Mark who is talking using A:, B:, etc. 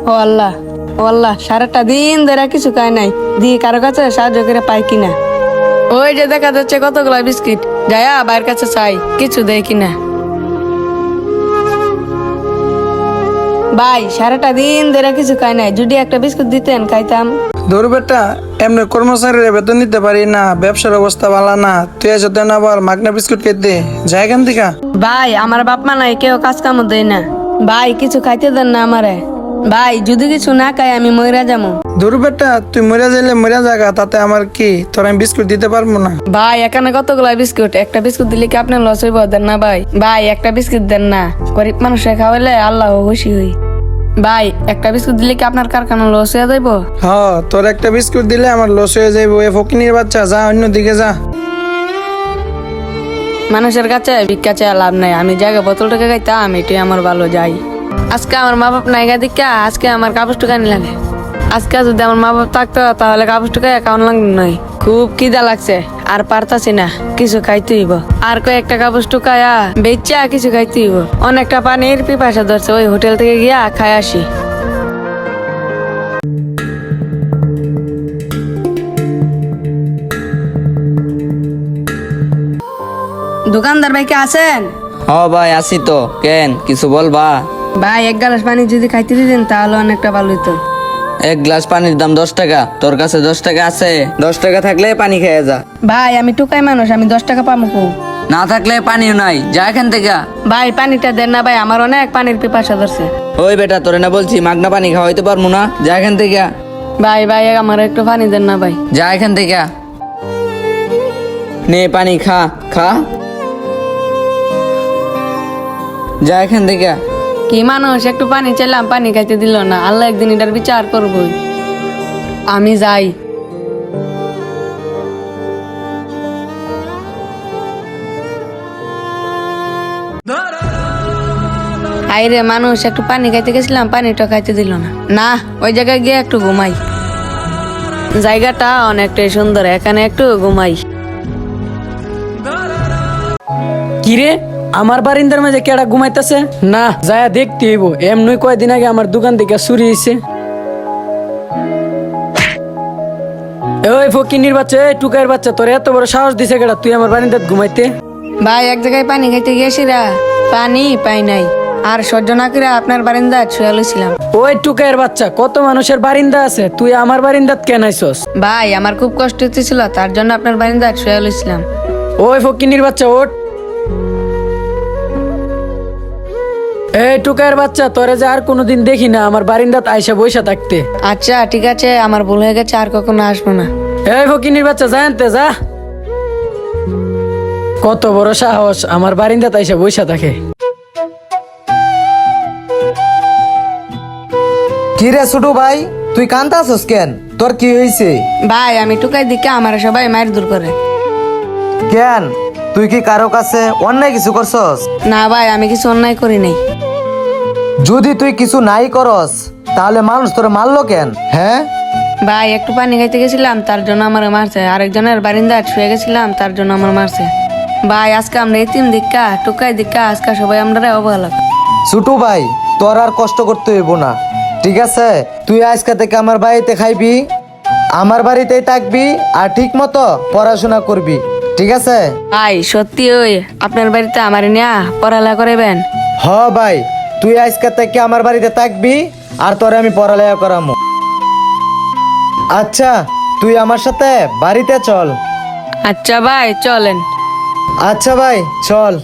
A: ও আল্লাহ, ও আল্লাহ, সারাটা দিন ধরে কিছু খাই নাই, দিয়ে কারো কাছে সাহায্য করে পাই কিনা। ওই যে দেখা যাচ্ছে কতগুলা বিস্কিট, যায়া বাইরের কাছে চাই কিছু দেয় কিনা। ভাই সারাটা দিন ধরে কিছু খাই নাই, যদি একটা বিস্কুট দিতেন খাইতাম।
B: ধর বেটা, এমনি কর্মচারীর বেতন নিতে পারি না, ব্যবসার অবস্থা ভালো না, তুই এসে দেন আবার মাগনা বিস্কুট খেতে যাই এখান থেকে।
A: ভাই আমার বাপ মা নাই, কেউ কাজ কামও দেয় না। ভাই কিছু খাইতে দেন না আমারে। ভাই যদি কিছু না খাই আমি মইরা যাবো।
B: ধর বেটা, তুই মরে যাইলে মরে যাগা, তাতে আমার কি, তোর আমি বিস্কুট দিতে পারবো না।
A: ভাই এখানে কতগুলা বিস্কুট, একটা বিস্কুট দিলে কি আপনার লস হইব? দেন না ভাই, ভাই একটা বিস্কুট দেন না, গরিব মানুষে খাওয়াইলে আল্লাহ খুশি হই। ভাই একটা বিস্কুট দিলে কি আপনার কারখানা লস হয়ে যাইব?
B: তোর একটা বিস্কুট দিলে আমার লস হয়ে যাইবো। এ ফকিনির বাচ্চা, যা অন্যদিকে যা।
A: মানুষের কাছে ভিক্ষা চেয়ে লাভ নাই, আমি জায়গা বোতল টাকা খাইতাম, এটাই আমার ভালো। যাই আজকে আমার মা বাপ নাই গা দিকা, আজকে আমার কাপড় টুকানি লাগে। আজকে যদি আমার মা বাপ থাকতো তাহলে কাপড় টুকাই কেমন লাগবে নয়। খুব খিদা লাগছে, আর পারতাছি না, কিছু খাইতে হইব। আর কয়েকটা কাপড় টুকায়া বেচা কিছু খাইতে হইব। অনেকটা পানির পিপাসা ধরছে, ওই হোটেল থেকে গিয়া খাই আসি। দোকানদার ভাই কে আছেন?
C: ভাই আসি তো, কেন কিছু বলবা?
A: ভাই এক গ্লাস পানি যদি খাইতে দিতেন তাহলে অনেকটা ভালো হইতো।
C: এক গ্লাস পানির দাম 10 টাকা, তোর কাছে 10 টাকা আছে? 10 টাকা থাকলে পানি খেয়ে যা।
A: ভাই আমি টুকাই মানুষ, আমি 10 টাকা পাবো কো?
C: না থাকলে পানিও নাই, যা এখান থেকে।
A: ভাই পানিটা দেন না ভাই, আমার অনেক পানির পিপাসা ধরছে।
C: ওই বেটা, তোরে না বলছি মাগনা পানি খাওয়াইতে পারবো না, যা এখান থেকে।
A: ভাই ভাই আমার একটু পানি দেন না ভাই।
C: যা এখান থেকে, নে পানি খা খা, যা এখান থেকে।
A: কি মানুষ, একটু পানি চাইলাম পানি খাইতে দিল না, আল্লাহ একদিন এটার বিচার করবই। আমি যাই। আইরে মানুষ, একটু পানি খাইতে গেছিলাম, পানিটা খাইতে দিল না। না, ওই জায়গায় গিয়ে একটু ঘুমাই। জায়গাটা অনেকটাই সুন্দর, এখানে একটু ঘুমাই।
D: কিরে, আমার বারিন্দার মাঝে কেডা ঘুমাইতেছে? না, যায়া দেখতে হইব। এমনি কয়দিন আগে আমার দোকান থেকে চুরি হয়েছে। ওই ফকিনির বাচ্চা, এই টুকাইয়ের বাচ্চা, তোর এত বড় সাহস দিছে কেডা তুই আমার বারিন্দাত ঘুমাইতে?
A: ভাই এক জায়গায় পানি খাইতে গিয়েছিরা, পানি পাই নাই, আর সহ্য না করে আপনার বারিন্দা শুয়ে লইছিলাম।
D: ওই টুকাইয়ের বাচ্চা, কত মানুষের বারিন্দা আছে, তুই আমার বারিন্দাত কেন আইছস?
A: ভাই আমার খুব কষ্ট হচ্ছিল, তার জন্য আপনার বারিন্দা শুয়ে লইছিলাম।
D: ওই ফকিনির বাচ্চা, ওঠ। এই টুকাইয়ের বাচ্চা, তোরে যে আর কোনোদিন দেখি না আমার বারিন্দাত আইসা বইসা থাকতে।
A: আচ্ছা ঠিক আছে, আমার ভুল হয়ে গেছে, আর কখনো আসবো না।
D: এই ফকিনির বাচ্চা, জানতে যা। কত বড় সাহস, আমার বারিন্দাত আইসা বইসা থাকে।
E: কি রে ছোটু ভাই, তুই কান্তাছস কেন? তোর কি হয়েছে?
A: ভাই আমি টুকাই দিকে আমার সবাই মায়ের দূর করে।
E: কেন, তুই কি কারো কাছে অন্যায় কিছু করছস?
A: না ভাই, আমি কিছু অন্যায় করি নাই।
E: যদি তুই কিছু নাই করস তাহলে মানুষ তোরে মারলো কেন? হ্যাঁ
A: ভাই একটু পানি খাইতে গেছিলাম, তার জন্য আমার মারছে। আরেকজনের বারিন্দা শুয়ে গেছিলাম, তার জন্য আমার মারছে। ভাই আজকে আমরা এতিম দিক্কা, টুকাই দিক্কা, আজকে সবাই আমরা অবহেলা।
E: ছোটু ভাই, তোর আর কষ্ট করতে হইব না, ঠিক আছে? তুই আজকে থেকে আমার বাড়িতে খাইবি, আমার বাড়িতেই থাকবি, আর ঠিক মতো পড়াশোনা করবি, ঠিক আছে?
A: ভাই সত্যি ওই আপনার বাড়িতে আমার নিয়া পড়ালেখা করাবেন?
E: হ ভাই, তুই আজকে থেকে আমার বাড়িতে থাকবি, আর তোরে আমি পড়ালেখা করামু। আচ্ছা, তুই আমার সাথে বাড়িতে চল।
A: আচ্ছা ভাই চলেন।
E: আচ্ছা ভাই চল।